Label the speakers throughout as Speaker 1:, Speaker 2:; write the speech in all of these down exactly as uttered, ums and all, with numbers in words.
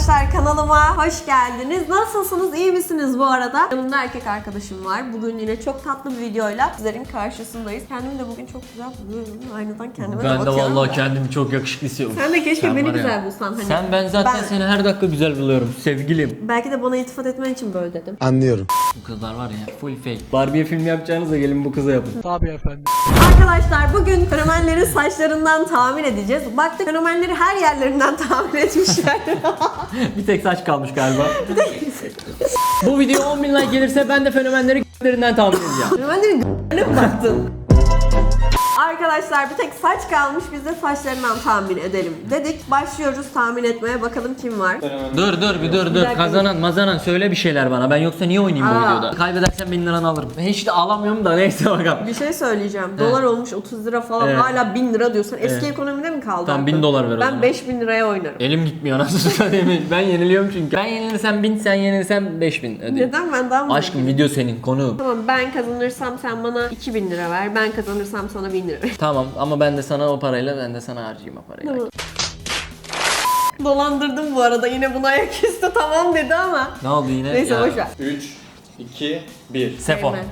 Speaker 1: arkadaşlar, kanalıma hoş geldiniz. Nasılsınız? İyi misiniz bu arada? Yanımda erkek arkadaşım var. Bugün yine çok tatlı bir videoyla sizlerin karşısındayız. Kendimi de bugün çok güzel buluyorum. Aynadan kendime de
Speaker 2: Ben de
Speaker 1: bakıyorum.
Speaker 2: vallahi
Speaker 1: da.
Speaker 2: kendimi çok yakışıklı hissediyorum.
Speaker 1: Sen de keşke
Speaker 2: Sen
Speaker 1: beni
Speaker 2: var ya.
Speaker 1: güzel bulsan. Hani
Speaker 2: Sen ben zaten
Speaker 1: ben-
Speaker 2: seni her dakika güzel buluyorum sevgilim.
Speaker 1: Belki de bana iltifat etmen için böyle dedim.
Speaker 3: Anlıyorum.
Speaker 2: Bu kızlar var ya full fake. Barbie film yapacağınıza gelin bu kıza yapın. Tabii efendim.
Speaker 1: Arkadaşlar bugün fenomenlerin saçlarından tahmin edeceğiz. Baktık fenomenleri her yerlerinden tahmin etmişler.
Speaker 2: Bir tek saç kalmış galiba. Bu video on bin like gelirse ben de fenomenleri g**lerinden tahmin edeceğim.
Speaker 1: Fenomenlerin g***lerine mi baktın? Arkadaşlar bir tek saç kalmış, biz de saçlarından tahmin edelim dedik. Başlıyoruz tahmin etmeye, bakalım kim var.
Speaker 2: Dur dur bir dur dur.
Speaker 1: dakika.
Speaker 2: Kazanan mazanan söyle bir şeyler bana. Ben yoksa niye oynayayım bu
Speaker 1: Aa.
Speaker 2: videoda? Kaybedersen bin liranı alırım. Ben hiç de alamıyorum da neyse bakalım.
Speaker 1: Bir şey söyleyeceğim. Dolar olmuş otuz lira falan,
Speaker 2: Evet.
Speaker 1: hala bin lira diyorsan eski
Speaker 2: Evet.
Speaker 1: ekonomide mi kaldı?
Speaker 2: Tamam,
Speaker 1: aklın?
Speaker 2: bin dolar ver o
Speaker 1: Ben
Speaker 2: zaman.
Speaker 1: beş bin liraya oynarım.
Speaker 2: Elim gitmiyor nasıl söyleyeyim. Ben yeniliyorum çünkü. Ben yenilirsem bin, sen yenilirsen beş bin ödeyeyim.
Speaker 1: Neden, ben daha mı?
Speaker 2: Aşkım video senin konu.
Speaker 1: Tamam, ben kazanırsam sen bana iki bin lira ver. Ben kazanırsam sana bin lira ver.
Speaker 2: Tamam ama ben de sana o parayla ben de sana harcayayım o parayı.
Speaker 1: Tamam. Dolandırdım bu arada, yine buna ayaküstü tamam dedi ama.
Speaker 2: Ne oldu yine?
Speaker 1: Neyse
Speaker 2: Ya.
Speaker 1: boşver.
Speaker 4: üç, iki, bir.
Speaker 2: Sefo.
Speaker 1: Reymen.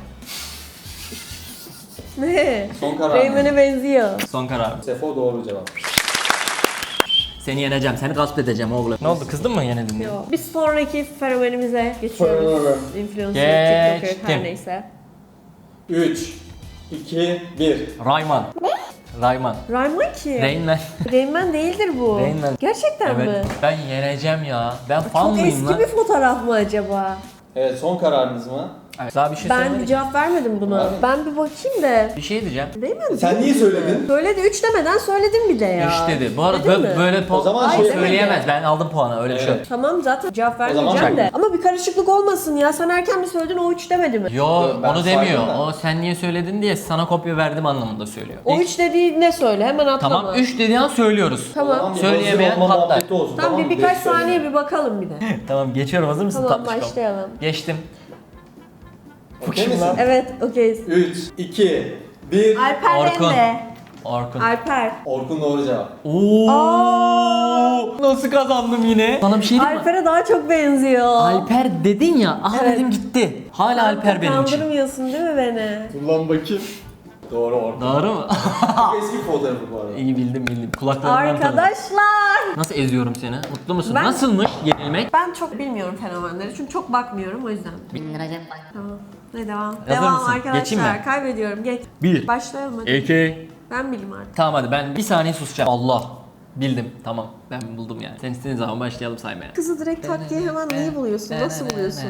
Speaker 1: Ne?
Speaker 4: Son karar.
Speaker 1: Reymen'e benziyor.
Speaker 2: Son karar.
Speaker 4: Sefo doğru cevap.
Speaker 2: Seni yeneceğim, seni gasp edeceğim oğlum. Ne oldu, kızdın mı yenildin diye?
Speaker 1: Yo. Bir sonraki fenomenimize geçiyoruz. Influencer,
Speaker 2: Geçtim.
Speaker 1: TikToker, her neyse.
Speaker 4: üç, iki, bir.
Speaker 2: Rayman. Rayman.
Speaker 1: Rayman ki.
Speaker 2: Rayman.
Speaker 1: Rayman değildir bu.
Speaker 2: Rayman.
Speaker 1: Gerçekten mi?
Speaker 2: Evet. Ben yeneceğim ya. Ben fan
Speaker 1: Çok
Speaker 2: mıyım
Speaker 1: eski
Speaker 2: lan?
Speaker 1: bir fotoğraf mı acaba?
Speaker 4: Evet, son kararınız mı?
Speaker 2: Evet. Daha bir şey
Speaker 1: Ben
Speaker 2: söylemedim.
Speaker 1: bir cevap vermedim buna.
Speaker 4: Abi.
Speaker 1: Ben bir bakayım da.
Speaker 2: Bir şey diyeceğim.
Speaker 1: Rayman
Speaker 4: Sen
Speaker 1: değil
Speaker 4: niye
Speaker 1: mi?
Speaker 4: söyledin?
Speaker 1: Söyledi, üç demeden söyledim bir de ya.
Speaker 2: Üç dedi. Bu arada
Speaker 1: Dedin
Speaker 2: böyle,
Speaker 1: mi?
Speaker 2: böyle
Speaker 4: O
Speaker 2: po-
Speaker 4: zaman
Speaker 2: şey
Speaker 4: şey
Speaker 2: söyleyemez. Ben aldım puanı öyle bir şey yok.
Speaker 4: Evet.
Speaker 1: Tamam, zaten cevap
Speaker 4: zaman
Speaker 1: vermeyeceğim de.
Speaker 4: çak.
Speaker 1: Ama bir karışıklık olmasın ya. Sen erken mi söyledin, o üç demedi mi?
Speaker 2: Yo
Speaker 4: Ben
Speaker 2: onu demiyor.
Speaker 4: saydım da.
Speaker 2: O sen niye söyledin diye sana kopya verdim anlamında söylüyor.
Speaker 1: O
Speaker 2: İlk-
Speaker 1: üç dediği ne söyle, hemen atlama.
Speaker 2: Tamam üç dediği an söylüyoruz.
Speaker 1: Tamam.
Speaker 4: O zaman bir
Speaker 2: Söyleyemeyen
Speaker 4: hazır olma
Speaker 2: patlar.
Speaker 4: muhabbeti olsun,
Speaker 1: Tamam, bir
Speaker 4: mı?
Speaker 1: birkaç
Speaker 4: Beş söyle.
Speaker 1: saniye bir bakalım bir de.
Speaker 2: Tamam geçiyorum, hazır mısın
Speaker 1: Tamam,
Speaker 2: tatlışkom?
Speaker 1: başlayalım.
Speaker 2: Geçtim.
Speaker 4: Okey misin?
Speaker 1: Evet, okeyiz.
Speaker 4: üç, iki, bir.
Speaker 1: Alper
Speaker 2: Orkun.
Speaker 1: Rende.
Speaker 2: Orkun.
Speaker 1: Alper.
Speaker 4: Orkun doğru cevap.
Speaker 2: Oo! Nasıl kazandım yine? Sana bir şey diyeyim mi?
Speaker 1: Alper'e daha çok benziyor.
Speaker 2: Alper dedin ya. Aha
Speaker 1: Evet.
Speaker 2: dedim gitti. Hala Alper benim için.
Speaker 1: Kandırmıyorsun değil mi beni?
Speaker 4: Kullan bakayım. Doğru Orkun.
Speaker 2: Doğru mu?
Speaker 4: Çok eski fotoğrafı bu arada.
Speaker 2: İyi bildim bildim. Kulaklarından tanıdım.
Speaker 1: Arkadaşlar.
Speaker 2: Nasıl eziyorum seni? Mutlu musun?
Speaker 1: Ben-
Speaker 2: Nasılmış yenilmek?
Speaker 1: Ben çok bilmiyorum fenomenleri çünkü çok bakmıyorum, o yüzden. Tamam. Ne devam?
Speaker 2: Hazır
Speaker 1: devam
Speaker 2: mısın?
Speaker 1: arkadaşlar.
Speaker 2: Geçeyim mi?
Speaker 1: Kaybediyorum. Geç.
Speaker 2: Bir.
Speaker 1: Başlayalım hadi.
Speaker 2: İki.
Speaker 1: Ben bileyim artık.
Speaker 2: Tamam hadi ben bir saniye susacağım. Allah. Bildim. Tamam. Ben buldum yani. Sen istediğin zaman başlayalım saymaya.
Speaker 1: Kızı direkt tak diye hemen neyi buluyorsun? Nasıl buluyorsun?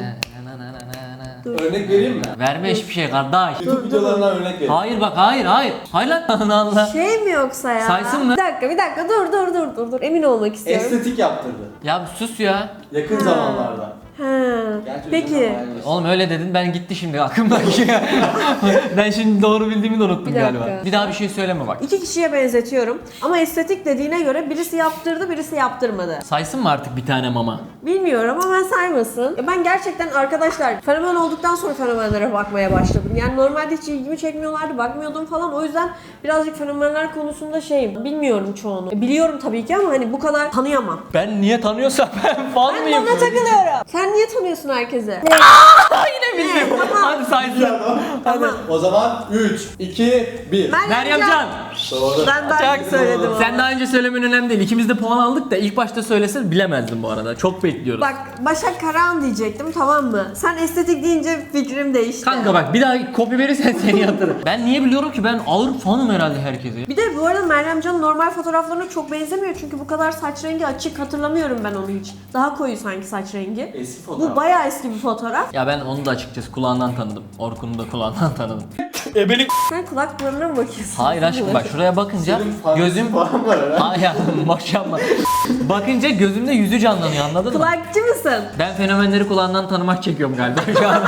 Speaker 1: Dur.
Speaker 4: Örnek vereyim mi?
Speaker 2: Verme hiçbir şey kardeş.
Speaker 4: YouTube videolarından örnek vereyim.
Speaker 2: Hayır bak hayır hayır. Hayır lan Allah Allah.
Speaker 1: Şey mi yoksa ya?
Speaker 2: Saysın mı?
Speaker 1: Bir dakika, bir dakika, dur dur dur dur dur. Emin olmak istiyorum.
Speaker 4: Estetik yaptırdı.
Speaker 2: Ya bir sus ya.
Speaker 4: Yakın zamanlarda.
Speaker 1: Ha.
Speaker 4: Gerçi
Speaker 1: Peki.
Speaker 4: üzerine bayağı bir-
Speaker 2: Oğlum öyle dedin ben gitti şimdi aklımdaki. Ben şimdi doğru bildiğimi de unuttum
Speaker 1: Bir dakika.
Speaker 2: galiba. Bir daha bir şey söyleme bak.
Speaker 1: İki kişiye benzetiyorum. Ama estetik dediğine göre birisi yaptırdı, birisi yaptırmadı.
Speaker 2: Saysın mı artık bir tane mama?
Speaker 1: Bilmiyorum ama ben saymasın. Ya ben gerçekten arkadaşlar fenomen olduktan sonra fenomenlere bakmaya başladım. Yani normalde hiç ilgimi çekmiyorlardı, bakmıyordum falan. O yüzden birazcık fenomenler konusunda şeyim. Bilmiyorum çoğunu. E, Biliyorum tabii ki ama hani bu kadar tanıyamam.
Speaker 2: Ben niye tanıyorsam ben fan
Speaker 1: Ben
Speaker 2: mıyım?
Speaker 1: bana takılıyorum. Sen niye tanıyorsun herkese?
Speaker 2: Yine bildim. Hadi saysın.
Speaker 1: Tamam.
Speaker 4: O zaman üç, iki, bir.
Speaker 2: Meryem Can.
Speaker 4: Doğru.
Speaker 1: Ben daha önce söyledim ama.
Speaker 2: Sen daha önce söylemen önemli değil. İkimiz de puan aldık da ilk başta söylesen bilemezdim bu arada. Çok bekliyoruz.
Speaker 1: Bak, Başak Karahan diyecektim, tamam mı? Sen estetik deyince fikrim değişti.
Speaker 2: Kanka bak bir daha kopya verirsen seni yatırırım. Ben niye biliyorum ki ben ağır fanım herhalde herkese.
Speaker 1: Bir de bu arada Meryem Can'ın normal fotoğraflarına çok benzemiyor çünkü bu kadar saç rengi açık, hatırlamıyorum ben onu hiç. Daha koyu sanki saç rengi.
Speaker 4: Eski fotoğraf.
Speaker 1: Bu bayağı eski bir fotoğraf.
Speaker 2: Ya ben onu da açıkçası kulağından tanıdım. Orkun'u da kulağından tanıdım. Ebelik.
Speaker 1: Sen kulak burununa mı bakıyorsun?
Speaker 2: Hayır aşkım bak şuraya bakınca
Speaker 4: Senin fantezi
Speaker 2: gözüm...
Speaker 4: falan var herhalde.
Speaker 2: Hayır maşallah. Bakınca gözümde yüzü canlanıyor anladın mı?
Speaker 1: Kulakçı mısın?
Speaker 2: Ben fenomenleri kulağından tanımak çekiyorum galiba şu an.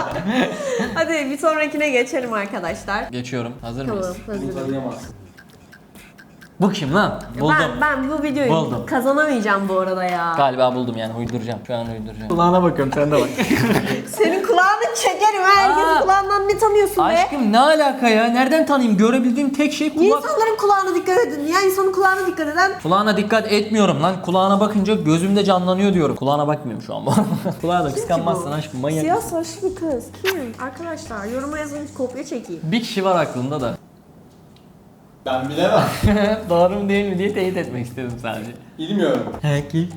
Speaker 1: Hadi bir sonrakine geçelim arkadaşlar.
Speaker 2: Geçiyorum. Hazır
Speaker 1: Tamam,
Speaker 2: mıyız?
Speaker 4: Bunu
Speaker 1: hazırım.
Speaker 4: tanıyamazsın.
Speaker 2: Bu kim lan? Buldum.
Speaker 1: Ben, ben bu videoyu
Speaker 2: Buldum.
Speaker 1: kazanamayacağım bu arada ya.
Speaker 2: Galiba buldum yani uyduracağım. Şu an uyduracağım. Kulağına bakıyorum sen de bak.
Speaker 1: Senin kulağın kulağını çekerim. Herkesin
Speaker 2: Aa.
Speaker 1: kulağından ne tanıyorsun be?
Speaker 2: Aşkım ne alaka ya? Nereden tanıyayım? Görebildiğim tek şey
Speaker 1: Niye
Speaker 2: kulak.
Speaker 1: insanların kulağına dikkat edin? Ya insanın kulağına dikkat eden.
Speaker 2: Kulağına dikkat etmiyorum lan. Kulağına bakınca gözümde canlanıyor diyorum. Kulağına bakmıyorum şu an bu arada. Kulağa da kıskanmazsın aşkım, manyak.
Speaker 1: Siyah saçlı bir kız. Kim? Arkadaşlar yoruma yazın, kopya çekeyim.
Speaker 2: Bir kişi var aklımda da.
Speaker 4: Ben bilemem.
Speaker 2: Doğru mu değil mi diye teyit etmek istedim sadece.
Speaker 4: Bilmiyorum.
Speaker 2: He ki.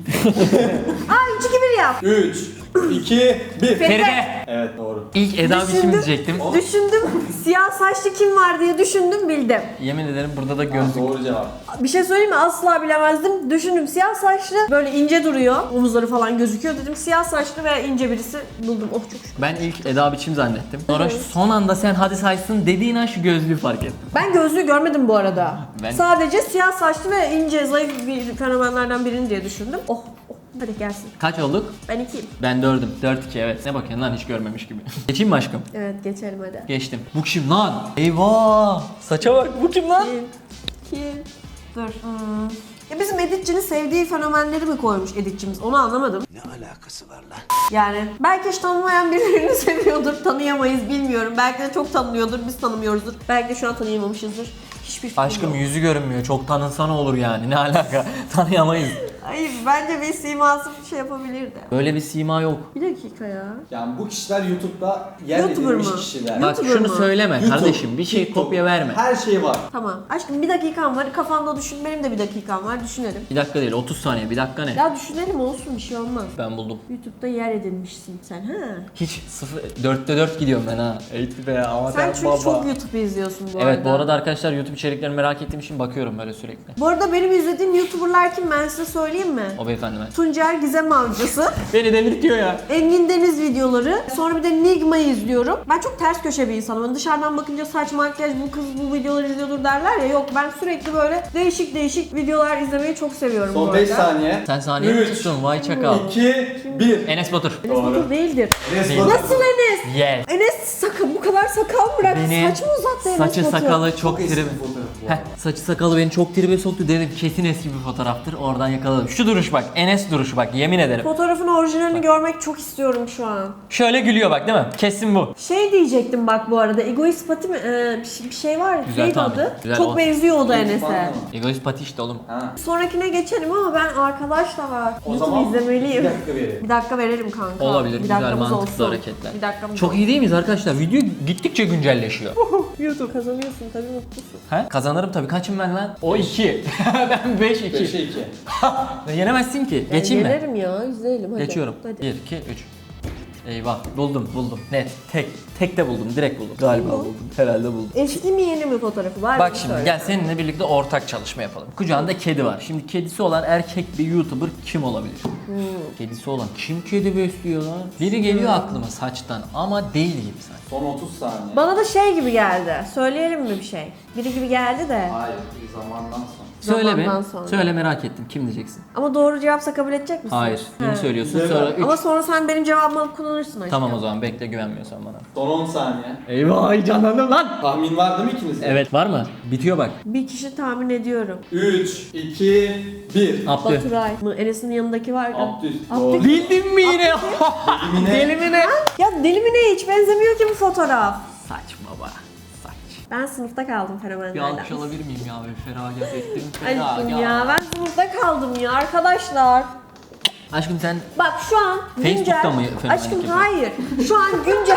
Speaker 1: Aa üç iki bir yap.
Speaker 4: üç, iki, bir.
Speaker 2: Feride.
Speaker 4: Evet doğru.
Speaker 2: İlk Eda biçim
Speaker 1: Düşündüm.
Speaker 2: diyecektim.
Speaker 1: Düşündüm. Siyah saçlı kim var diye düşündüm, bildim.
Speaker 2: Yemin ederim burada da
Speaker 4: Ha,
Speaker 2: gözlük.
Speaker 4: doğru cevap.
Speaker 1: Bir şey söyleyeyim mi? Asla bilemezdim. Düşündüm, siyah saçlı, böyle ince duruyor. Omuzları falan gözüküyor. Dedim siyah saçlı ve ince birisi buldum. Oh çok şükür.
Speaker 2: Ben ilk Eda biçim zannettim. Sonra son anda sen hadi saysın dediğin an şu gözlüğü fark ettim.
Speaker 1: Ben gözlüğü görmedim bu arada.
Speaker 2: Ben-
Speaker 1: Sadece siyah saçlı ve ince, zayıf bir fenomenlerden birini diye düşündüm. Oh, oh. Hadi gelsin.
Speaker 2: Kaç olduk?
Speaker 1: Ben ikiyim.
Speaker 2: Ben dördüm. Dört iki evet. Ne bakıyorsun lan hiç görmemiş gibi. Geçeyim mi aşkım?
Speaker 1: Evet geçelim hadi.
Speaker 2: Geçtim. Bu kim lan? Eyvah! Saça bak. Bu kim lan?
Speaker 1: Kim? Kim? Dur. Hmm. Ya bizim editçinin sevdiği fenomenleri mi koymuş editçimiz? Onu anlamadım.
Speaker 3: Ne alakası var lan?
Speaker 1: Yani belki hiç tanımayan birilerini seviyordur, tanıyamayız bilmiyorum. Belki de çok tanınıyordur, biz tanımıyoruzdur. Belki de şu an tanıyamamışızdır. Hiçbir fikrim
Speaker 2: Aşkım
Speaker 1: yok.
Speaker 2: yüzü görünmüyor. Çok tanınsa ne olur yani? Ne alaka? Tanıyamayız.
Speaker 1: Hayır, bence bir siması bir şey yapabilirdi.
Speaker 2: Böyle bir sima yok.
Speaker 1: Bir dakika ya.
Speaker 4: Yani bu kişiler YouTube'da yer
Speaker 1: YouTuber
Speaker 4: edilmiş
Speaker 1: mı?
Speaker 4: kişiler.
Speaker 2: Bak
Speaker 1: YouTuber
Speaker 2: şunu
Speaker 1: mı?
Speaker 2: söyleme
Speaker 4: YouTube,
Speaker 2: kardeşim. Bir şey
Speaker 4: TikTok,
Speaker 2: kopya verme.
Speaker 4: Her şey var.
Speaker 1: Tamam. Aşkım bir dakikam var. Kafanda düşün. Benim de bir dakikam var. Düşünelim.
Speaker 2: Bir dakika değil otuz saniye. Bir dakika ne?
Speaker 1: Ya düşünelim olsun, bir şey olmaz.
Speaker 2: Ben buldum.
Speaker 1: YouTube'da yer edinmişsin sen ha.
Speaker 2: Hiç sıfır, dörtte dört gidiyorum ben ha. Eğitim be ama
Speaker 1: Sen çünkü çok YouTube izliyorsun bu arada.
Speaker 2: Evet bu arada arkadaşlar YouTube içeriklerini merak ettiğim için bakıyorum böyle sürekli.
Speaker 1: Bu arada benim izlediğim YouTuber'lar kim, ben size söyleyeyim mi?
Speaker 2: O beyefendi ben.
Speaker 1: Tuncer Gizem Avcısı,
Speaker 2: Beni delirtiyor ya.
Speaker 1: Engin Deniz videoları, sonra bir de Nigma'yı izliyorum. Ben çok ters köşe bir insanım. Hani dışarıdan bakınca saç, makyaj, bu kız bu videoları izliyordur derler ya. Yok, ben sürekli böyle değişik değişik videolar izlemeyi çok seviyorum bu
Speaker 4: Son
Speaker 1: arada.
Speaker 4: beş saniye.
Speaker 2: Sen saniye mi
Speaker 4: Üç,
Speaker 2: tuttun? Vay çakal.
Speaker 4: iki, bir.
Speaker 2: Enes Batur.
Speaker 1: Enes Batur değildir.
Speaker 4: Enes
Speaker 2: Değil.
Speaker 4: Batur.
Speaker 1: Nasıl Enes?
Speaker 2: Yes.
Speaker 1: Enes sakal, bu kadar sakal bırak.
Speaker 2: Beni
Speaker 1: Saç mı uzattı Enes
Speaker 2: saçı
Speaker 1: Batur?
Speaker 2: sakalı çok
Speaker 4: eski
Speaker 2: tribe.
Speaker 4: fotoğraf bu
Speaker 2: Heh,
Speaker 4: arada.
Speaker 2: saçı sakalı beni çok tribe soktu dedim kesin eski bir fotoğraftır. Oradan yakaladım. Şu duruş bak. Enes duruşu bak yemin ederim.
Speaker 1: Fotoğrafın orijinalini görmek çok istiyorum şu an.
Speaker 2: Şöyle gülüyor bak değil mi? Kesin bu.
Speaker 1: Şey diyecektim bak bu arada, egoist pati mi? Ee, bir, şey, bir şey var.
Speaker 2: Güzel
Speaker 1: Neydi
Speaker 2: tahmin.
Speaker 1: adı?
Speaker 2: Güzel
Speaker 1: çok
Speaker 2: o.
Speaker 1: benziyor o da
Speaker 4: Egoist
Speaker 1: Enes'e.
Speaker 4: pati mi?
Speaker 2: Egoist pati işte oğlum.
Speaker 4: Ha.
Speaker 1: Sonrakine geçelim ama ben arkadaşlar
Speaker 4: O
Speaker 1: YouTube
Speaker 4: zaman
Speaker 1: izlemeliyim.
Speaker 4: bir dakika verelim.
Speaker 1: Bir dakika verelim kanka.
Speaker 2: Olabilir.
Speaker 1: Bir
Speaker 2: Güzel
Speaker 1: dakikamız
Speaker 2: mantıklı
Speaker 1: olsun.
Speaker 2: hareketler.
Speaker 1: Bir dakikamız
Speaker 2: Çok
Speaker 1: olsun.
Speaker 2: iyi değil miyiz arkadaşlar? Video gittikçe güncelleşiyor.
Speaker 1: YouTube kazanıyorsun tabii, mutlusun.
Speaker 2: He? Kazanırım tabii. Kaçım ben lan? O iki. Ben beş iki.
Speaker 4: beşe iki.
Speaker 2: Yenemezsin ki.
Speaker 1: Ben
Speaker 2: Geçeyim mi?
Speaker 1: Gelirim ya, izleyelim hadi.
Speaker 2: Geçiyorum.
Speaker 1: Hadi.
Speaker 2: bir, iki, üç. Eyvah. Buldum, buldum. Net. Tek. Tek de buldum. Direkt buldum. Galiba
Speaker 1: Tamam.
Speaker 2: buldum. Herhalde buldum.
Speaker 1: Eski mi yeni mi fotoğrafı var?
Speaker 2: Bak
Speaker 1: mı?
Speaker 2: şimdi
Speaker 1: Söyle.
Speaker 2: gel seninle birlikte ortak çalışma yapalım. Kucağında kedi var. Şimdi kedisi olan erkek bir YouTuber kim olabilir?
Speaker 1: Hmm.
Speaker 2: Kedisi olan kim kedi besliyor lan? Biri geliyor aklıma saçtan ama değil gibi sanki.
Speaker 4: Son otuz saniye.
Speaker 1: Bana da şey gibi geldi. Söyleyelim mi bir şey? Biri gibi geldi de.
Speaker 4: Hayır, bir zamandan sonra.
Speaker 2: Söyle be.
Speaker 1: Zamandan sonra.
Speaker 2: Söyle merak ettim. Kim diyeceksin?
Speaker 1: Ama doğru cevapsa kabul edecek misin?
Speaker 2: Hayır. Birini
Speaker 1: He.
Speaker 2: söylüyorsun
Speaker 4: Güzel.
Speaker 2: sonra üç.
Speaker 1: Ama sonra sen benim cevabımı alıp kullanırsın aşkım.
Speaker 2: Tamam o zaman bekle güvenmiyorsan bana.
Speaker 4: Son on saniye.
Speaker 2: Eyvah heyecanlandım lan.
Speaker 4: Tahmin var değil mi ikinizde?
Speaker 2: Evet var mı? Bitiyor bak.
Speaker 1: Bir kişi tahmin ediyorum.
Speaker 4: üç, iki, bir.
Speaker 2: Abdü.
Speaker 1: Baturay mı? Enes'in yanındaki var ya.
Speaker 4: Abdü.
Speaker 1: Abdü.
Speaker 4: Doğru.
Speaker 2: Bildin mi yine?
Speaker 4: Yine.
Speaker 2: Deli mi ne?
Speaker 1: Ya deli mi ne, hiç benzemiyor ki bu fotoğraf.
Speaker 2: Saçma baba. Saç.
Speaker 1: Ben sınıfta kaldım
Speaker 2: Bir
Speaker 1: fenomenlerden.
Speaker 2: alkış alabilir miyim ya? Bir feragat ettim.
Speaker 1: Aşkım
Speaker 2: Feragat.
Speaker 1: ya, ben sınıfta kaldım ya arkadaşlar.
Speaker 2: Aşkım sen
Speaker 1: Bak şu an güncel...
Speaker 2: Facebook'ta mı fenomenlik
Speaker 1: Aşkım
Speaker 2: yapıyorsun?
Speaker 1: hayır. Şu an güncel...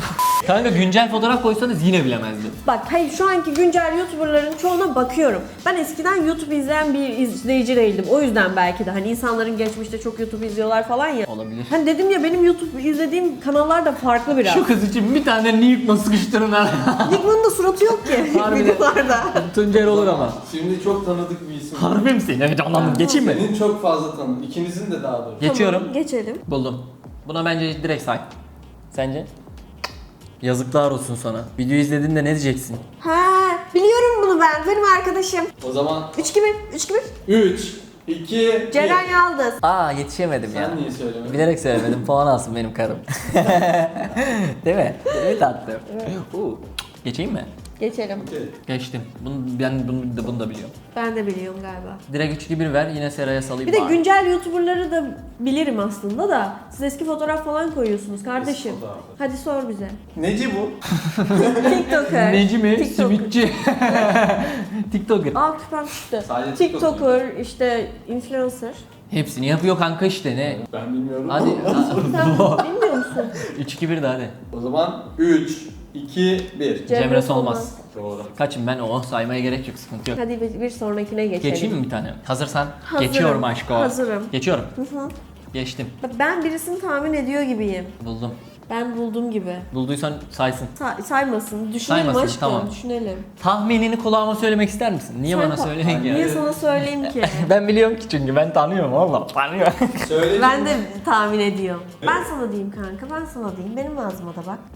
Speaker 2: kanka güncel fotoğraf koysanız yine bilemezdim.
Speaker 1: Bak hayır, şu anki güncel YouTuber'ların çoğuna bakıyorum. Ben eskiden YouTube izleyen bir izleyici değildim. O yüzden belki de hani insanların geçmişte çok YouTube izliyorlar falan ya.
Speaker 2: Olabilir.
Speaker 1: Hani dedim ya, benim YouTube izlediğim kanallar da farklı biraz.
Speaker 2: Şu kız için bir tane Newton'la sıkıştırın ha.
Speaker 1: Nickman'ın da suratı yok ki
Speaker 2: Harbiden.
Speaker 1: videolarda.
Speaker 2: Tuncer olur ama.
Speaker 4: Şimdi çok tanıdık bir isim.
Speaker 2: Harbi misin? Evet anladım. Geçeyim mi?
Speaker 4: Senin çok fazla tanıdık. İkinizin de daha doğrusu.
Speaker 2: Geçiyorum.
Speaker 1: Tamam, geçelim.
Speaker 2: Buldum. Buna bence direkt say. Sence? Yazıklar olsun sana. Video izlediğinde ne diyeceksin?
Speaker 1: Ha, biliyorum bunu ben. Benim arkadaşım.
Speaker 4: O zaman
Speaker 1: üç iki bir, üç iki bir.
Speaker 4: üç, iki,
Speaker 1: Ceren
Speaker 4: bir.
Speaker 1: Yaldız.
Speaker 2: Aa yetişemedim ya.
Speaker 4: Sen niye söylemedin?
Speaker 2: Bilerek söylemedim. Puan alsın benim karım. Değil mi? Değil mi tatlım? Uu. Geçeyim mi?
Speaker 1: Geçelim.
Speaker 4: Okey.
Speaker 2: Geçtim. Bunu, ben bunu da, bunu da biliyorum.
Speaker 1: Ben de biliyorum galiba.
Speaker 2: Direkt üç iki bir ver yine Seray'a salayım.
Speaker 1: Bir de
Speaker 2: bari.
Speaker 1: güncel YouTuber'ları da bilirim aslında da. Siz eski fotoğraf falan koyuyorsunuz kardeşim.
Speaker 4: Eski fotoğraf.
Speaker 1: Hadi sor bize.
Speaker 4: Neci bu?
Speaker 1: TikToker.
Speaker 2: Neci mi?
Speaker 1: TikToker.
Speaker 2: Simitçi. TikToker.
Speaker 1: Aa küpem çıktı.
Speaker 4: Sadece TikTok
Speaker 1: TikToker, işte influencer.
Speaker 2: Hepsini yapıyor kanka işte ne?
Speaker 4: Ben bilmiyorum.
Speaker 2: Hadi.
Speaker 1: Sen bilmiyor musun?
Speaker 2: üç iki bir de hadi.
Speaker 4: O zaman üç, iki, bir.
Speaker 2: Cemre Solmaz.
Speaker 4: Doğru.
Speaker 2: Kaçım ben o saymaya gerek yok sıkıntı yok.
Speaker 1: Hadi bir, bir sonrakine geçelim.
Speaker 2: Geçeyim mi bir tane? Hazırsan.
Speaker 1: Hazırım.
Speaker 2: Geçiyorum aşko.
Speaker 1: Hazırım.
Speaker 2: Geçiyorum.
Speaker 1: Hı hı.
Speaker 2: Geçtim.
Speaker 1: Ben birisini tahmin ediyor gibiyim.
Speaker 2: Buldum.
Speaker 1: Ben buldum gibi.
Speaker 2: Bulduysan saysın.
Speaker 1: Sa- saymasın. Düşünelim
Speaker 2: Saymasın,
Speaker 1: aşkım.
Speaker 2: tamam.
Speaker 1: Düşünelim.
Speaker 2: Tahminini kulağıma söylemek ister misin? Niye
Speaker 1: Sen
Speaker 2: bana
Speaker 1: ta-
Speaker 2: söyleyin ki?
Speaker 1: Niye sana söyleyeyim ki?
Speaker 2: Ben biliyorum ki çünkü ben tanıyorum valla tanıyorum.
Speaker 4: Söyle.
Speaker 1: Ben de tahmin ediyorum. Ben sana diyeyim kanka, ben sana diyeyim. Benim ağzıma da bak.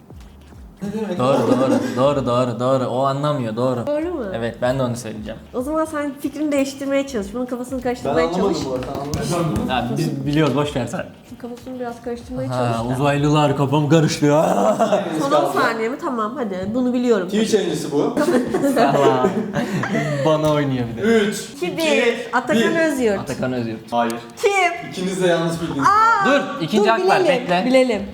Speaker 4: Ne demek?
Speaker 2: doğru doğru doğru doğru doğru o anlamıyor doğru.
Speaker 1: Doğru mu?
Speaker 2: Evet ben de onu söyleyeceğim.
Speaker 1: O zaman sen fikrini değiştirmeye çalış. Bunun kafasını
Speaker 4: Ben
Speaker 1: karıştırmaya
Speaker 4: anlamadım
Speaker 1: çalış.
Speaker 4: bu arada. Sen anladın mı?
Speaker 2: Ya biz biliyoruz boş ver sen.
Speaker 1: Şunun kafasını biraz karıştırmaya
Speaker 2: Ha,
Speaker 1: çalış da.
Speaker 2: uzaylılar kafam karıştı.
Speaker 4: Hanginiz
Speaker 1: Son on
Speaker 4: kaldı?
Speaker 1: saniye mi? Tamam hadi. Bunu biliyorum.
Speaker 4: Twitch yayıncısı bu.
Speaker 2: Allah. Bana oynuyor bir de.
Speaker 4: üç,
Speaker 1: iki bir. Atakan Özyurt.
Speaker 2: Atakan Özgür.
Speaker 4: Hayır.
Speaker 1: Kim?
Speaker 4: İkiniz de yanlış bildiniz.
Speaker 2: Dur ikinci
Speaker 1: Dur
Speaker 2: hak var
Speaker 1: bilelim.
Speaker 2: bekle.
Speaker 1: Bilelim.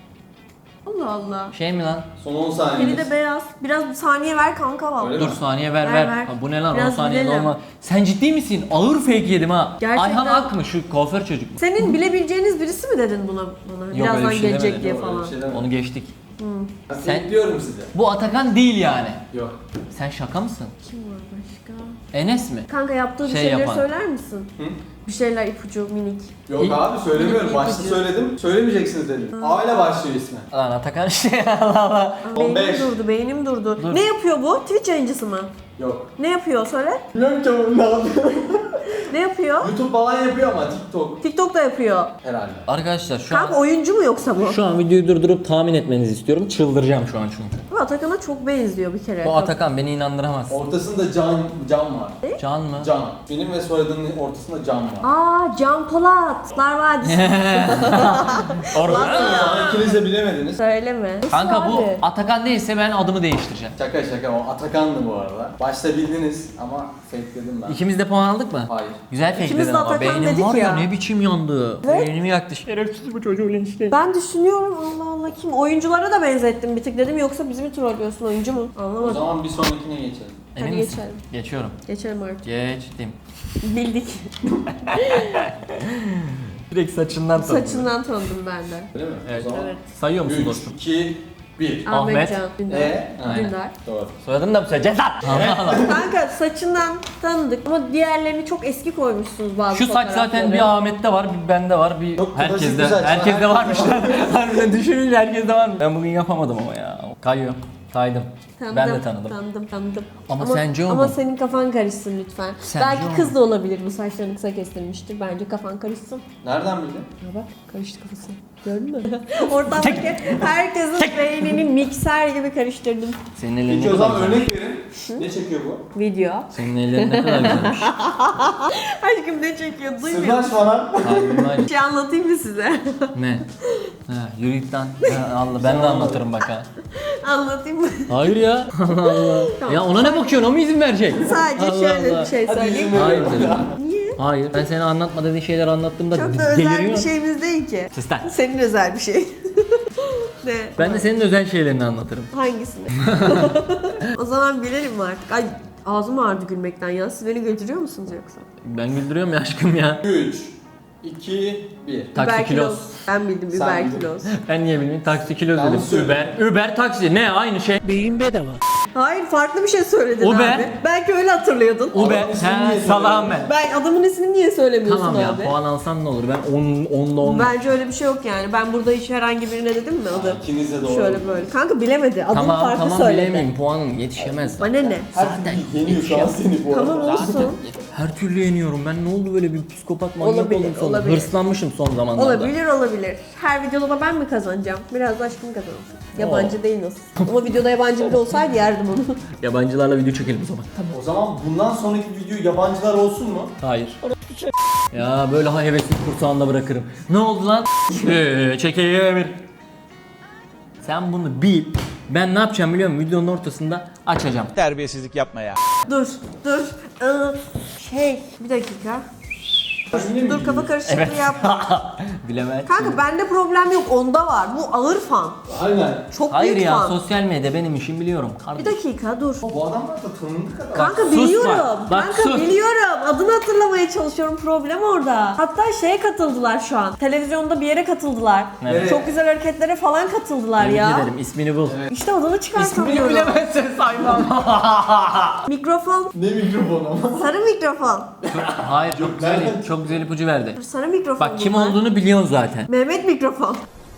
Speaker 1: Allah Allah.
Speaker 2: Şey mi lan?
Speaker 4: Son on
Speaker 1: Biri
Speaker 4: saniyeniz.
Speaker 1: de beyaz. Biraz saniye ver kanka valla.
Speaker 4: Öyle
Speaker 2: Dur
Speaker 4: mi?
Speaker 2: saniye ver
Speaker 1: Ver,
Speaker 2: ver.
Speaker 1: ver.
Speaker 2: Ha, bu ne lan on
Speaker 1: Biraz
Speaker 2: saniye
Speaker 1: bilelim.
Speaker 2: normal. Sen ciddi misin? Ağır fake yedim ha.
Speaker 1: Gerçekten.
Speaker 2: Ayhan Ak mı şu kuaför çocuk mu?
Speaker 1: Senin bilebileceğiniz birisi mi dedin buna? buna?
Speaker 2: öyle
Speaker 1: Birazdan
Speaker 2: bir şey
Speaker 1: gelecek
Speaker 2: demedim.
Speaker 1: diye
Speaker 4: Yok, öyle
Speaker 1: falan.
Speaker 4: bir şey demedim.
Speaker 2: Onu geçtik.
Speaker 4: Ben
Speaker 2: Sen-
Speaker 4: bekliyorum sizi.
Speaker 2: Bu Atakan değil yani.
Speaker 4: Yok.
Speaker 2: Sen şaka mısın?
Speaker 1: Kim var başka?
Speaker 2: Enes mi?
Speaker 1: Kanka yaptığı bir
Speaker 2: Şey
Speaker 1: şeyleri
Speaker 2: yapan.
Speaker 1: söyler misin?
Speaker 4: Hı?
Speaker 1: Bir şeyler ipucu minik.
Speaker 4: Yok
Speaker 2: İlk-
Speaker 4: abi söylemiyorum.
Speaker 1: İlk
Speaker 4: Başta
Speaker 1: ipucu.
Speaker 4: söyledim. Söylemeyeceksiniz dedim. A ile başlıyor ismi.
Speaker 2: Lan Atakan şey Allah Allah.
Speaker 1: Aa,
Speaker 4: on beş.
Speaker 1: Beynim durdu, beynim durdu.
Speaker 2: Dur.
Speaker 1: Ne yapıyor bu? Twitch yayıncısı mı?
Speaker 4: Yok.
Speaker 1: Ne yapıyor söyle?
Speaker 4: Bilmiyorum ki oğlum ne yapıyor.
Speaker 1: Ne yapıyor?
Speaker 4: YouTube falan yapıyor ama TikTok
Speaker 1: TikTok'ta yapıyor.
Speaker 4: herhalde.
Speaker 2: Arkadaşlar şu
Speaker 1: Kanka
Speaker 2: an
Speaker 1: oyuncu mu yoksa bu?
Speaker 2: şu an videoyu durdurup tahmin etmenizi istiyorum. Çıldıracağım şu an çünkü.
Speaker 1: Bu Atakan'a çok benziyor bir kere.
Speaker 2: Bu Atakan beni inandıramaz.
Speaker 4: Ortasında can can var.
Speaker 2: Can mı?
Speaker 4: Can. Benim ve soyadının ortasında can var.
Speaker 1: Aa Can Polat. Lar Vadisi.
Speaker 2: Orada.
Speaker 4: Ama ikiniz de bilemediniz.
Speaker 1: Söyleme.
Speaker 2: Kanka bu
Speaker 1: Abi.
Speaker 2: Atakan değilse ben adımı değiştireceğim.
Speaker 4: Şaka şaka o Atakan'dı bu arada. Başta bildiniz ama fakeledim ben.
Speaker 2: İkimiz de puan aldık mı?
Speaker 4: Hayır.
Speaker 2: Güzel fake
Speaker 1: İkimiz
Speaker 2: dedin
Speaker 1: de
Speaker 2: ama
Speaker 1: Atakan
Speaker 2: beynim
Speaker 1: dedik
Speaker 2: var ya,
Speaker 1: ya.
Speaker 2: ne biçim yandı.
Speaker 1: Evet.
Speaker 2: Beynimi yaktı. Şerefsiz bu çocuğu işte.
Speaker 1: Ben düşünüyorum Allah Allah kim? Oyunculara da benzettim bir tık dedim yoksa bizi mi trollüyorsun oyuncu mu?
Speaker 4: O
Speaker 1: Anlamadım.
Speaker 4: zaman bir sonrakine geçelim.
Speaker 2: Emin
Speaker 1: Hadi
Speaker 2: misin?
Speaker 1: geçelim.
Speaker 2: Geçiyorum.
Speaker 1: Geçelim artık.
Speaker 2: Geçtim.
Speaker 1: Bildik.
Speaker 2: Direkt saçından
Speaker 1: Saçından tanıdım ben de.
Speaker 4: Öyle mi?
Speaker 2: Evet.
Speaker 4: O zaman
Speaker 1: Evet.
Speaker 2: Sayıyor musun
Speaker 4: üç,
Speaker 2: dostum?
Speaker 4: iki, bir.
Speaker 2: Ahmet.
Speaker 1: Ahmet Can Dündar.
Speaker 4: E?
Speaker 2: Aynen.
Speaker 1: Dündar.
Speaker 4: Doğru.
Speaker 2: Soyadını da mı söyleyeceğiz lan? Allah Allah.
Speaker 1: Kanka saçından tanıdık ama diğerlerini çok eski koymuşsunuz bazı
Speaker 2: Şu saç zaten bir Ahmet'te var, bir bende var, bir
Speaker 4: Çok klasik
Speaker 2: herkeste.
Speaker 4: bir saç.
Speaker 2: Herkeste varmış lan. Harbiden düşününce herkeste var. Ben bugün yapamadım ama ya. Kayıyor. Kaydım.
Speaker 1: Tanıdım,
Speaker 2: Ben de tanıdım.
Speaker 1: Tanıdım, tanıdım.
Speaker 2: Ama sence o
Speaker 1: Ama
Speaker 2: mu?
Speaker 1: senin kafan karışsın lütfen.
Speaker 2: Sence
Speaker 1: Belki
Speaker 2: o mu?
Speaker 1: kız da olabilir bu saçlarını kısa kestirmiştir. Bence kafan karışsın.
Speaker 4: Nereden bildin?
Speaker 1: Ya bak karıştı kafası. Gördün mü? Ortamdaki herkesin beynini mikser gibi karıştırdım.
Speaker 2: Senin ellerin
Speaker 4: Peki
Speaker 2: ne
Speaker 4: o
Speaker 2: kadar
Speaker 4: zaman
Speaker 2: güzelmiş.
Speaker 4: örnek verin. Ne çekiyor bu?
Speaker 1: Video.
Speaker 2: Senin ellerin ne kadar güzelmiş.
Speaker 1: Aşkım ne çekiyor? Duymuyor
Speaker 4: Sırdaş
Speaker 1: musun?
Speaker 4: falan.
Speaker 2: Harbim var.
Speaker 1: Bir şey anlatayım mı size?
Speaker 2: Ne? Ha, yürü git lan. Ha, Allah, ben de anlatırım bak ha.
Speaker 1: Anlatayım mı?
Speaker 2: Hayır ya. Allah Allah.
Speaker 1: Tamam.
Speaker 2: Ya ona ne bakıyorsun? O mu izin verecek?
Speaker 1: Sadece
Speaker 2: Allah
Speaker 1: şöyle
Speaker 2: Allah.
Speaker 1: bir şey
Speaker 4: Hadi
Speaker 1: söyleyeyim.
Speaker 4: izin
Speaker 2: Hayır
Speaker 4: veriyorum.
Speaker 2: dedim.
Speaker 1: Niye?
Speaker 2: Hayır. Ben seni anlatma dediğin şeyleri anlattığımda
Speaker 1: Çok da özel bir
Speaker 2: deliriyorsun.
Speaker 1: şeyimiz değil ki.
Speaker 2: Sus lan.
Speaker 1: Senin özel bir şey. Ne?
Speaker 2: Ben de senin özel şeylerini anlatırım.
Speaker 1: Hangisini? O zaman bilelim mi artık? Ay ağzım ağrıdı gülmekten ya. Siz beni götürüyor musunuz yoksa?
Speaker 2: Ben güldürüyorum ya aşkım ya.
Speaker 4: üç, iki, bir.
Speaker 2: Taksi
Speaker 1: Uber
Speaker 2: kiloz.
Speaker 1: Ben bildim
Speaker 4: Sen
Speaker 1: Uber
Speaker 4: bildin.
Speaker 1: kiloz.
Speaker 2: Ben niye bilmiyorum? Taksi kilo
Speaker 4: Yanlış
Speaker 2: dedim.
Speaker 4: söyledim.
Speaker 2: Uber. Uber taksi. Ne? Aynı şey.
Speaker 1: Hayır farklı bir şey söyledin
Speaker 2: Uber.
Speaker 1: abi. Belki öyle hatırlıyordun.
Speaker 2: Uber.
Speaker 4: Adamın ismini
Speaker 2: He
Speaker 4: niye
Speaker 2: salağım ben.
Speaker 1: Ben adamın ismini niye söylemiyorsun
Speaker 2: Tamam ya
Speaker 1: abi?
Speaker 2: puan alsan ne olur? Ben on onda on.
Speaker 1: Bence öyle bir şey yok yani. Ben burada hiç herhangi birine dedim mi adı?
Speaker 4: İkiniz de doğru.
Speaker 1: Şöyle böyle. Kanka bilemedi. Adını
Speaker 2: Tamam
Speaker 1: farklı
Speaker 2: tamam
Speaker 1: söyledi.
Speaker 2: bilemeyeyim. Puanım yetişemez.
Speaker 1: Bana ne?
Speaker 4: Her türlü yeniyor şu an seni bu arada.
Speaker 1: Tamam olsun.
Speaker 2: Her türlü yeniyorum. Ben ne oldu böyle bir psikopat manyak
Speaker 1: Olabilir,
Speaker 2: oldum sonra.
Speaker 1: olabilir.
Speaker 2: Hırslanmışım son zamanlarda.
Speaker 1: Olabilir olabilir. Her videoda da ben mi kazanacağım? Biraz da aşkım kazansın. Yabancı değil nasıl? Ama videoda yabancı biri olsaydı yerdim onu.
Speaker 2: Yabancılarla video çekelim o zaman.
Speaker 4: O zaman bundan sonraki video yabancılar olsun mu?
Speaker 2: Hayır. Ya böyle ha hevesli kursağında bırakırım. Ne oldu lan? Eee çekeye bir. Sen bunu bil. Ben ne yapacağım biliyor musun? Videonun ortasında açacağım.
Speaker 3: Terbiyesizlik yapma ya.
Speaker 1: Dur, dur. Ee, şey, bir dakika. Dur, dur kafa karışıklığı
Speaker 2: Evet.
Speaker 1: yapma.
Speaker 2: Bilemezsin.
Speaker 1: Kanka bende problem yok, onda var. Bu ağır fan.
Speaker 4: Aynen.
Speaker 1: Çok
Speaker 2: Hayır
Speaker 1: büyük
Speaker 2: ya,
Speaker 1: fan.
Speaker 2: sosyal medya benim işim biliyorum.
Speaker 1: Bir
Speaker 2: Kardeşim.
Speaker 1: dakika dur.
Speaker 4: Bu adamlar da tanındık adam.
Speaker 1: Kanka
Speaker 2: sus
Speaker 1: biliyorum.
Speaker 2: bak, bak
Speaker 1: Kanka
Speaker 2: sus.
Speaker 1: biliyorum. Adını hatırlamaya çalışıyorum. Problem orada. Hatta şeye katıldılar şu an. Televizyonda bir yere katıldılar.
Speaker 2: Evet.
Speaker 1: Çok güzel hareketlere falan katıldılar
Speaker 2: Tebrik
Speaker 1: ya.
Speaker 2: ederim. İsmini bul.
Speaker 1: İşte adını
Speaker 2: İsmini
Speaker 1: çıkartamıyorum.
Speaker 2: bilemezsin saymam.
Speaker 1: Mikrofon.
Speaker 4: Ne mikrofon ama.
Speaker 1: Sarı mikrofon.
Speaker 2: Hayır çok güzel,
Speaker 4: nereden?
Speaker 2: çok güzel ipucu verdi.
Speaker 1: Sarı mikrofon.
Speaker 2: Bak kim
Speaker 1: bunlar.
Speaker 2: olduğunu biliyorsun zaten.
Speaker 1: Mehmet mikrofon.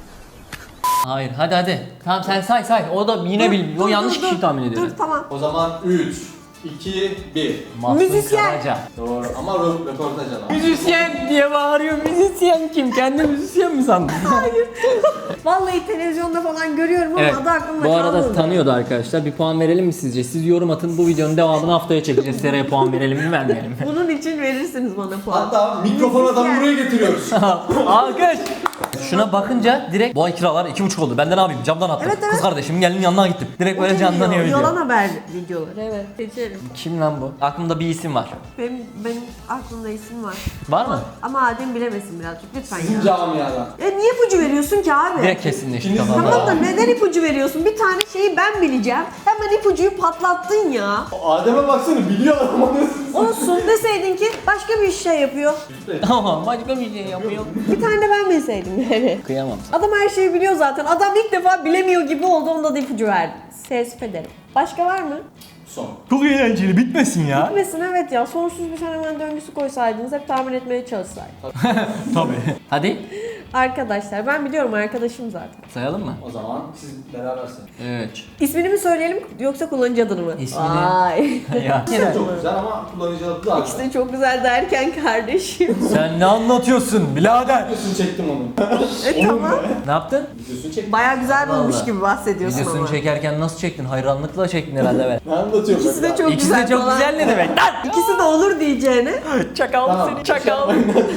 Speaker 2: Hayır hadi hadi. Tamam sen say say. O da yine
Speaker 1: Dur,
Speaker 2: bil. O
Speaker 1: dur,
Speaker 2: yanlış
Speaker 1: dur,
Speaker 2: kişiyi
Speaker 1: dur.
Speaker 2: tahmin ediyor.
Speaker 1: Dur tamam.
Speaker 4: O zaman üç, iki, bir.
Speaker 2: Mahsun
Speaker 1: Müzisyen.
Speaker 2: Karaca.
Speaker 4: Doğru ama rö- röportaj adam.
Speaker 2: Müzisyen diye bağırıyor. Müzisyen kim? Kendi müzisyen mi sandın?
Speaker 1: Hayır. Vallahi televizyonda falan görüyorum ama
Speaker 2: Evet.
Speaker 1: adı aklımda
Speaker 2: Bu arada
Speaker 1: kalmadı.
Speaker 2: tanıyordu arkadaşlar. Bir puan verelim mi sizce? Siz yorum atın. Bu videonun devamını haftaya çekeceğiz. Seraya puan verelim mi vermeyelim mi?
Speaker 1: Bunun için verirsiniz bana puan.
Speaker 4: Hatta mikrofon adamı
Speaker 1: Müzisyen.
Speaker 4: buraya getiriyoruz.
Speaker 2: Alkış. Şuna bakınca direkt bu ay kiralar iki buçuk oldu. Ben de ne yapayım? Camdan attım.
Speaker 1: Evet, evet.
Speaker 2: Kız kardeşimin gelinin yanına gittim. Direkt böyle canlanıyor video.
Speaker 1: Yalan haber videoları. Evet. Geçelim.
Speaker 2: Kim lan bu? Aklımda bir isim var.
Speaker 1: Benim, benim aklımda isim var.
Speaker 2: Var mı?
Speaker 1: Ama Adem bilemesin birazcık lütfen
Speaker 4: Sizin
Speaker 1: ya.
Speaker 4: camiadan.
Speaker 1: Ya niye ipucu veriyorsun ki abi?
Speaker 2: Direkt kesinleşti
Speaker 4: İkiniz de
Speaker 2: kafamda.
Speaker 1: Tamam da neden ipucu veriyorsun? Bir tane şeyi ben bileceğim. Hemen ipucuyu patlattın ya.
Speaker 4: Adem'e baksana biliyor adam onu.
Speaker 1: Olsun deseydin ki başka bir şey yapıyor.
Speaker 2: Tamam başka bir şey yapıyor.
Speaker 1: Bir tane de ben bilseydim yani.
Speaker 2: Kıyamam.
Speaker 1: Adam her şeyi biliyor zaten. Adam ilk defa bilemiyor gibi oldu. Onda da ipucu verdiniz. Teessüf ederim. Başka var mı?
Speaker 4: Son.
Speaker 2: Çok eğlenceli bitmesin ya.
Speaker 1: Bitmesin evet ya. Sonsuz bir fenomen döngüsü koysaydınız hep tahmin etmeye çalışsaydınız.
Speaker 2: Tabii. Hadi
Speaker 1: Arkadaşlar ben biliyorum arkadaşım zaten.
Speaker 2: sayalım mı?
Speaker 4: O zaman siz berabersiniz.
Speaker 2: üç.
Speaker 1: İsmini mi söyleyelim yoksa kullanıcı adını mı?
Speaker 2: İsmini.
Speaker 1: Vay.
Speaker 2: Ya.
Speaker 4: Çok güzel ama kullanıcı adı da
Speaker 1: İşte çok güzel derken kardeşim.
Speaker 2: Sen ne anlatıyorsun birader?
Speaker 4: Videosunu çektim onun.
Speaker 1: e tamam.
Speaker 2: Ne yaptın?
Speaker 4: Videosunu çektim.
Speaker 1: Baya güzel bulmuş
Speaker 2: Vallahi.
Speaker 1: gibi bahsediyorsun
Speaker 2: Videosunu
Speaker 1: ama.
Speaker 2: çekerken nasıl çektin? Hayranlıkla çektin herhalde ben.
Speaker 4: Ne anlatıyorum
Speaker 1: İkisi de
Speaker 4: ben?
Speaker 1: çok
Speaker 2: İkisi
Speaker 1: güzel
Speaker 2: de çok
Speaker 1: falan.
Speaker 2: güzel ne demek lan?
Speaker 1: İkisi de olur diyeceğine.
Speaker 2: Çakal
Speaker 4: Tamam.
Speaker 2: seni çakal.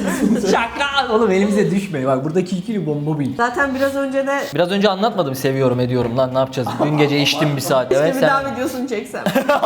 Speaker 2: Çakal. Oğlum elimize düşme. Bak buradaki ikili bomba bil.
Speaker 1: Zaten biraz önce de
Speaker 2: Biraz önce anlatmadım seviyorum ediyorum lan ne yapacağız? Dün gece içtim bir saat.
Speaker 1: işte
Speaker 2: Evet
Speaker 1: bir
Speaker 2: sen.
Speaker 1: daha videosunu çeksem.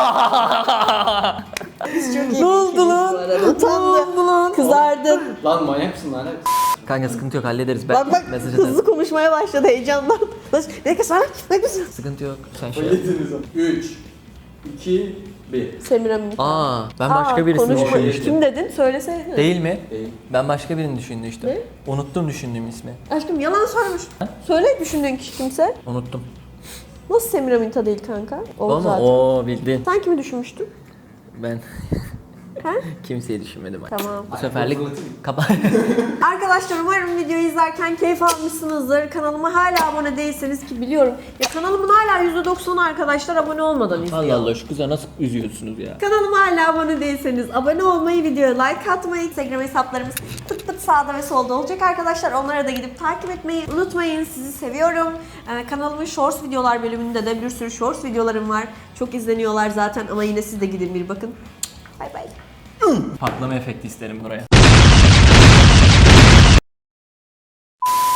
Speaker 1: Biz çok iyi
Speaker 2: Ne oldu
Speaker 1: geçiriz
Speaker 2: lan?
Speaker 1: bu arada. Utandı. Kızardı.
Speaker 4: Lan manyak mısın lan?
Speaker 2: Kanka sıkıntı yok hallederiz. Ben
Speaker 1: Bak bak
Speaker 2: mesaj atarım.
Speaker 1: hızlı konuşmaya başladı heyecandan. Bas- Ne kız sana? Ne kız?
Speaker 2: Sıkıntı yok. Sen şey yap.
Speaker 4: Yediniz onu. üç, iki, bir.
Speaker 1: Semiramis.
Speaker 2: Aa ben başka birisini
Speaker 1: konuşma.
Speaker 2: düşünmüştüm.
Speaker 1: Kim dedin? Söylesene.
Speaker 2: Değil mi?
Speaker 4: Değil.
Speaker 2: Ben başka birini düşünmüştüm.
Speaker 1: Ne?
Speaker 2: Unuttum düşündüğüm ismi.
Speaker 1: Aşkım yalan söylemiş. Söyle düşündüğün kişi kimse.
Speaker 2: Unuttum.
Speaker 1: Nasıl Semiraminta değil kanka? O
Speaker 2: Ama
Speaker 1: zaten.
Speaker 2: o bildin.
Speaker 1: Sen kimi düşünmüştün?
Speaker 2: Ben
Speaker 1: Ha?
Speaker 2: kimseyi düşünmedim.
Speaker 1: Tamam.
Speaker 2: Bu seferlik kapa.
Speaker 1: Arkadaşlar umarım videoyu izlerken keyif almışsınızdır. Kanalıma hala abone değilseniz ki biliyorum. Ya kanalımın hala yüzde doksanı arkadaşlar abone olmadan izliyor.
Speaker 2: Allah Allah şu kıza nasıl üzüyorsunuz ya?
Speaker 1: Kanalıma hala abone değilseniz abone olmayı, videoya like atmayı, Instagram hesaplarımız pıt pıt sağda ve solda olacak arkadaşlar. Onlara da gidip takip etmeyi unutmayın. Sizi seviyorum. Ee, kanalımın shorts videolar bölümünde de bir sürü shorts videolarım var. Çok izleniyorlar zaten ama yine siz de gidin bir bakın. Bay bay.
Speaker 2: Patlama efekti isterim buraya.